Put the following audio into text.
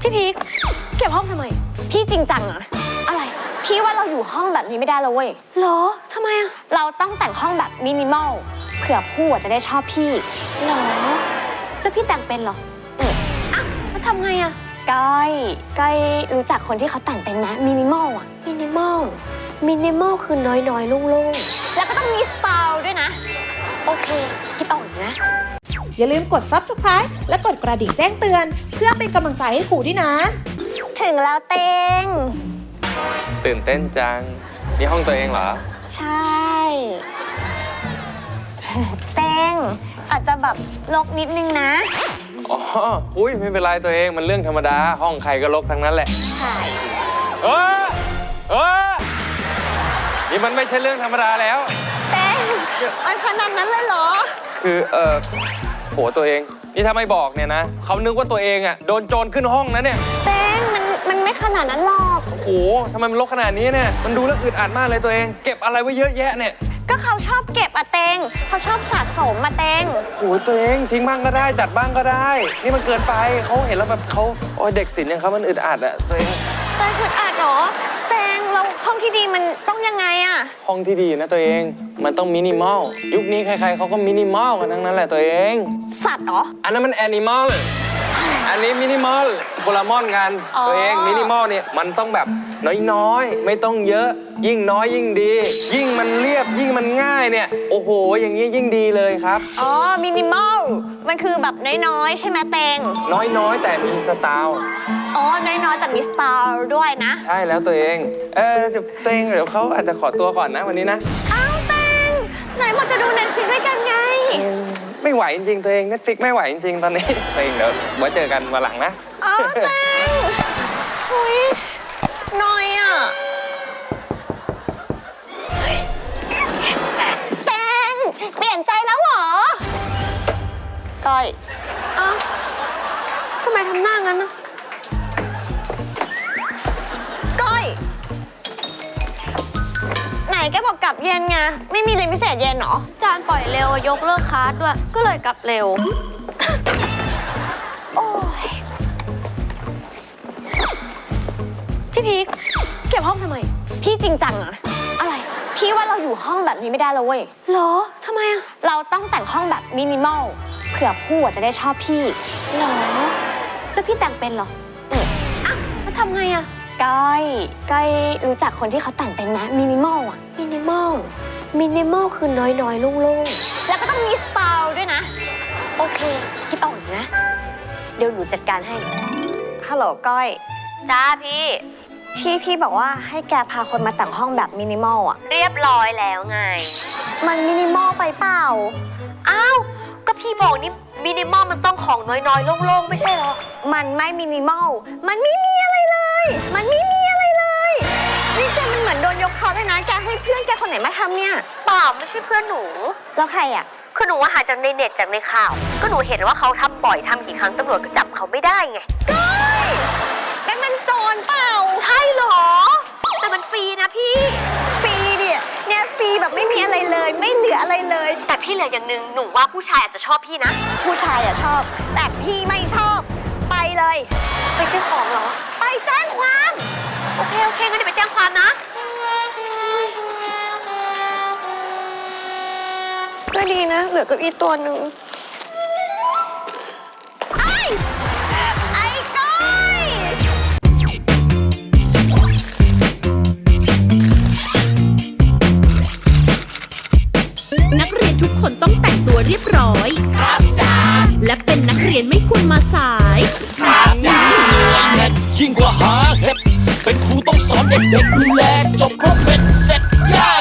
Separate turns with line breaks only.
พี่พีคเก็บห้องทำไมพี่จริงจังอะอะไรพี่ว่าเราอยู่ห้องแบบนี้ไม่ได้แล้วเว้ยเหรอทำไมอะเราต้องแต่งห้องแบบมินิมอลเผื่อผู้จะได้ชอบพี่เหรอแล้วพี่แต่งเป็นเหรออ่ะแล้วทำไงอะก้อยรู้จักคนที่เขาแต่งเป็นไหมมินิมอลอะมินิมอลคือน้อยๆโล่งๆแล้วก็ต้องมีสไตล์ด้วยนะโอเคคิดออกอีกนะ
อย่าลืมกด Subscribe และกดกระดิ่งแจ้งเตือนเพื่อเป็นกำลังใจให้ครูด้วยนะ
ถึงแล้วเต็ง
ตื่นเต้นจังนี่ห้องตัวเองเหรอ
ใช่เต็งอาจจะแบบรกนิดนึงนะ
อ๋ออุ้ยไม่เป็นไรตัวเองมันเรื่องธรรมดาห้องใครก็รกทั้งนั้นแหละ
ใช่
นี่มันไม่ใช่เรื่องธรรมดาแล้ว
เต็งมันขนาดนั้นเลยเหรอ
คือโหตัวเองนี่ถ้าไม่บอกเนี่ยนะเขานึกว่าตัวเองอ่ะโดนโจรขึ้นห้องนะเนี่ย
เต็งมันไม่ขนาดนั้นหรอก
โหทำไมมันรกขนาดนี้เนี่ยมันดูแล้วอึดอัดมากเลยตัวเองเก็บอะไรไว้เยอะแยะเนี่ย
ก็เขาชอบเก็บอะเต็งเขาชอบสะสมมาเต็ง
โหตัวเองทิ้งบ้างก็ได้จัดบ้างก็ได้นี่มันเกินไปเขาเห็นแล้วแบบเขาโอ้ยเด็กศิลป์อย่างเขามันอึดอัดอะตัวเอง
อึดอัดเหรอเต็งเราห้องที่ดีมันต้องยังไงอะ
ห้องที่ดีนะตัวเองมันต้องมินิมอลยุคนี้ใครๆเขาก็มินิมอลกันทั้งนั้นแหละตัวเอง
สัตว์เหรอ
อันนั้นมันแอนิมอลอันนี้มินิมอลโคลามอนกันตัวเองมินิมอลเนี่ยมันต้องแบบน้อยๆไม่ต้องเยอะยิ่งน้อยยิ่งดียิ่งมันเรียบยิ่งมันง่ายเนี่ยโอ้โหอย่างนี้ยิ่งดีเลยครับ
อ๋อมินิมอลมันคือแบบน้อยๆใช่ไหมเต็ง
น้อยๆแต่มีสไตล์
อ๋อน้อยๆแต่มีสไตล์ด้วยนะ
ใช่แล้วตัวเองตัวเองเดี๋ยวเขาอาจจะขอตัวก่อนนะวันนี้นะ
อ้าวเต็งไหนบอกจะดู Netflix ด้วยกันไง
ไม่ไหวจริงๆตัวเอง Netflix ไม่ไหวจริงๆตอนนี้ตัวเองเดี๋ยวไว้เจอกันวันหลังนะ
อ๋อเต็งหุยน้อยอ่ะเต็งเปลี่ยนใจแล้วเหรอก้อยอ้าวทำไมทำหน้างั้นนะก้อยไหนแกบอกกลับเย็นไงไม่มีเรียนพิเศษเย็นหรอจานปล่อยเร็วยกเลิกคลาสด้วยก็เลยกลับเร็วโอ้ยพี่พีคเก็บห้องทำไมพี่จริงจังอะอะไรพี่ว่าเราอยู่ห้องแบบนี้ไม่ได้แล้วเว้ยเหรอทำไมอะเราต้องแต่งห้องแบบมินิมอลเผื่อผู้จะได้ชอบพี่เหรอแล้วพี่แต่งเป็นเหรออ่ะแล้วทำไงอะก้อยรู้จักคนที่เขาแต่งเป็นไหมมินิมอลอะมินิมอลคือน้อยๆโล่งๆแล้วก็ต้องมีสไตล์ด้วยนะโอเคคิดออกอีกนะเดี๋ยวหนูจัดการให้ฮัลโหลก้อยจ้าพี่บอกว่าให้แกพาคนมาแต่งห้องแบบมินิมอลอะเรียบร้อยแล้วไงมันมินิมอลไปเปล่าอ้าวก็พี่บอกนี่มินิมอลมันต้องของน้อยๆโล่งๆไม่ใช่เหรอมันไม่มินิมอลมันไม่มีอะไรเลยนี่แกมันเหมือนโดนยกคอเลยนะแกให้เพื่อนแกคนไหนมาทำเนี่ยเปล่าไม่ใช่เพื่อนหนูแล้วใครอะคือหนูว่าหาจากในเน็ตจากในข่าวก็หนูเห็นว่าเขาทำบ่อยทำกี่ครั้งตำรวจก็จับเขาไม่ได้ไงก้อยแล้วมันโจรเปล่าใช่เหรอแต่มันฟรีนะพี่ฟรีเนี่ยฟรีแบบไม่มีอะไรเลยไม่เหลืออะไรเลยแต่พี่เหลืออย่างนึงหนูว่าผู้ชายอาจจะชอบพี่นะผู้ชายอะชอบแต่พี่ไม่ชอบไปเลยไปซื้อของเหรอไปแจ้งความโอเคงั้นเดี๋ยวไปแจ้งความนะก็ดีนะเหลือเก้าอี้ตัวหนึ่งไอ้ก้อย
นักเรียนทุกคนต้องแต่งตัวเรียบร้อยครับจ้าและเป็นนักเรียนไม่ควรมาสาย
ครับจ้ายิ่งกว่าหาเห็ดเป็นครูต้องสอนเด็กๆดูแลจบครบเป็นเสร็จย่า